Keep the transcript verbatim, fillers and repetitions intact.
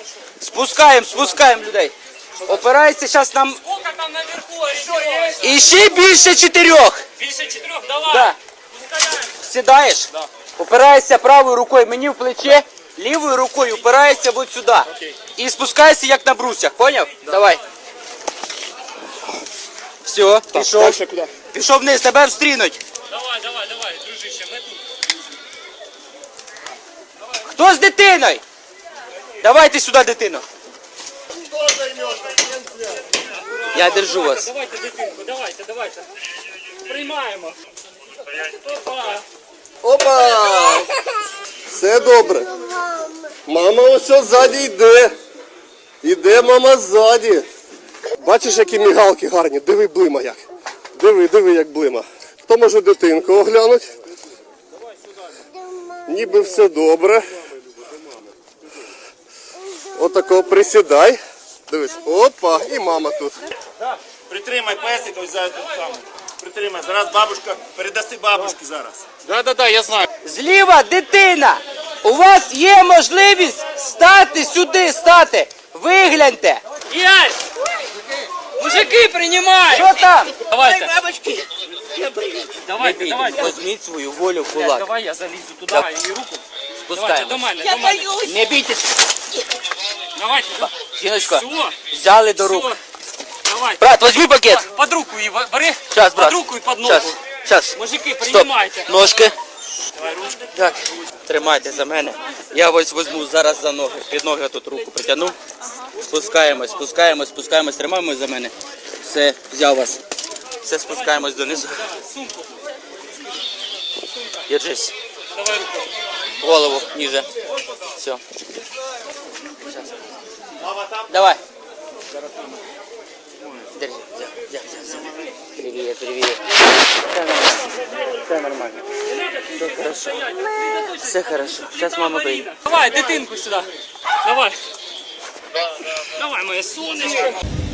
Спускаємо, спускаємо людей. Опирається зараз нам... Сколько там наверху? І ще більше чотирьох. Більше чотирьох, давай. Да. Пускаємо. Сідаєш? Да. Опираєшся правою рукою мені в плече, лівою рукою опираєшся от сюди. Окей. І спускаєшся як на брусьях, поняв? Да. Давай. Все, пішов. Дальше куди? Пішов вниз, тебе встрінуть. Давай, давай, давай, дружище, ми тут. Хто з дитиною? Давайте сюди дитину. Я держу вас. Давайте дитинку, давайте, давайте. Приймаємо. Опа. Опа! Все добре. Мама ось ззаді йде. Іде мама ззаді. Бачиш, які мігалки гарні. Диви, блима як. Диви, диви, як блима. Хто може дитинку оглянути? Ніби все добре. Отако присідай. Дивись. Опа, і мама тут. Притримай песик, ось зараз тут саме. Притримай. Зараз бабушка, передаси бабушці зараз. Да-да-да, я знаю. Зліва дитина. У вас є можливість стати сюди, стати. Вигляньте. Есть! Мужики, принимай! Що там? Давайте. Давайте, давайте. Візьміть свою волю в Блядь, кулак. давай я залізу туди Да. і руку. Давайте, до Спускаємо. мене, до мене. Не бійтесь. Давайте. Жіночка, Все. взяли до рук. Все. Давайте. Брат, візьми пакет. Под руку і бери. Сейчас, брат. Под руку і под ногу. Сейчас, сейчас. Мужики, Стоп. приймайте. Ножки. Давай ручки. Так, тримайте за мене. Я ось візьму зараз за ноги. Під ноги тут руку притягну. Спускаємось, спускаємось, спускаємось, тримаємось за мене. Все, взяв вас. Все, спускаємось донизу. Сумку. Держись. Давай руку. Голову ниже. Все. Давай. Держи. Взяв, взяв, взяв, взяв. Привет, привет. Все нормально. Все нормально. Все хорошо. Все хорошо. Сейчас мама прийде. Давай, дитинку сюди. Давай. Давай, моє сонечко.